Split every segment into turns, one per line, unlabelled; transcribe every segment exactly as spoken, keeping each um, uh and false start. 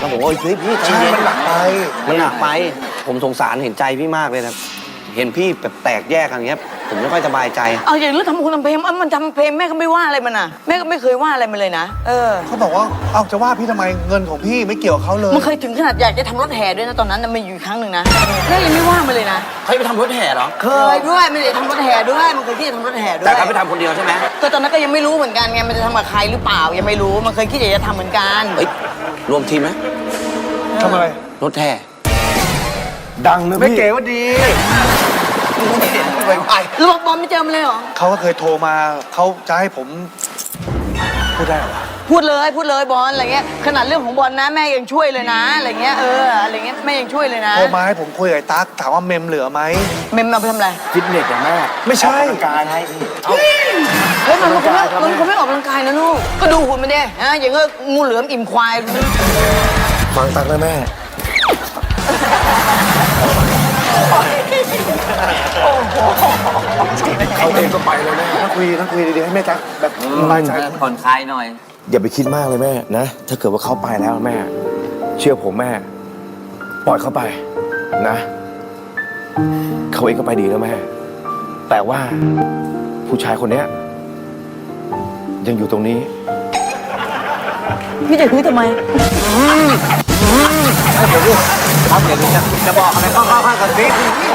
ผมว่าเฮ้ยพี่
ใช่มันหนักไป
มันหนักไปผมสงสารเห็นใจพี่มากเลยนะเห็นพี่แบบแตกแยกอย่างเงี้ยผมไม่ค่อยสบายใจ
เอาอย่างนี้ทำคุณทำเพลงมันทำเพลงแม่ก็ไม่ว่าอะไรมันน่ะแม่ก็ไม่เคยว่าอะไรมันเลยนะเออ
เขาบอกว่าเอ้าจะว่าพี่ทำไมเงินของพี่ไม่เกี่ยวกับเขาเลย
มันเคยถึงขนาดอยากจะทำรถแห่ด้วยนะตอนนั้นมันอยู่ครั้งหนึ่งนะแม่ยังไม่ว่ามันเลยนะ
เขาไปทำรถแห่เหรอ
เคยด้วยไม่ได้ทำรถแห่ด้วยมันเคยคิดจะทำรถแห่ด้วย
แต่เขาไปทำคนเดียวใช่ไหม
ก็ตอนนั้นก็ยังไม่รู้เหมือนกันไงมันจะทำกับใครหรือเปล่ายังไม่รู้มันเคยคิดอยากจะทำเหมือนกัน
เฮ้ยรวมทีมไหม
ทำอะไร
รถแห่
ดังนะพี่ไม่เก๋ว่าดี
แล้วบอกบอลไม่เจอมันเลยเหรอ
เขาก็เคยโทรมาเขาจะให้ผมพูดได้เหรอ
พูดเลยพูดเลยบอลอะไรเงี้ยขนาดเรื่องของบอลนะแม่ยังช่วยเลยนะอะไรเงี้ยเอออะไรเงี้ยแม่ยังช่วยเลยนะ
โทรมาให้ผมคุยกับไอ้ตั๊กถามว่าเมมเหลือไหม
เมมเอาไปทำอะไร
ฟิตเนสอะแม่ไม่ใช่การให้
เฮ้ยมันคงไม่มันคงไม่ออกกำลังกายนะลูกก็ดูหุ่นมันดิฮะอย่างเงี้ยงูเหลือมอิ่มควาย
ฟังตั๊กนะแม่เขาเองก็ไปเลยแม่ถ้าคุยถ้าคุยดีๆให้แม่ตั๊กแบบสบายใจ
ผ่อนคลายหน่อย
อย่าไปคิดมากเลยแม่นะถ้าเกิดว่าเขาไปแล้วแม่เชื่อผมแม่ปล่อยเขาไปนะเขาเองก็ไปดีแล้วแม่แต่ว่าผู้ชายคนนี้ยังอยู่ตรงนี้
พี่จะคุยทำไม
ครับเดี๋ยวจะจะบอกอะไรก็ข้างๆกันสิ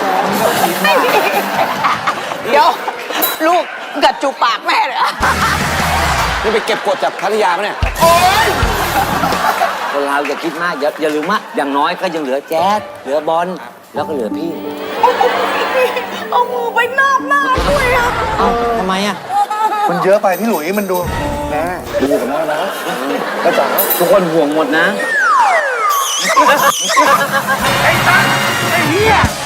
เดี๋ยวลูกกัดจูบปากแม่เลย
นี่ไปเก็บกดจากพัทยาไหมเนี่ย
โอ๊ย
คนเราอย่าคิดมากอย่าอย่าลืมว่าอย่างน้อยก็ยังเหลือแจ๊ดเหลือบอลแล้วก็เหลือพี่
เอามือไปนาบหน้าด้วยอ่ะ
เอ้าทำไมอ่ะ
มันเยอะไปพี่หลุยมันดูแม่ดูกับแม่นะกระจ๋า
ทุกคนห่วงหมดนะ
ไอ้ตั้งไอ้เหี้ย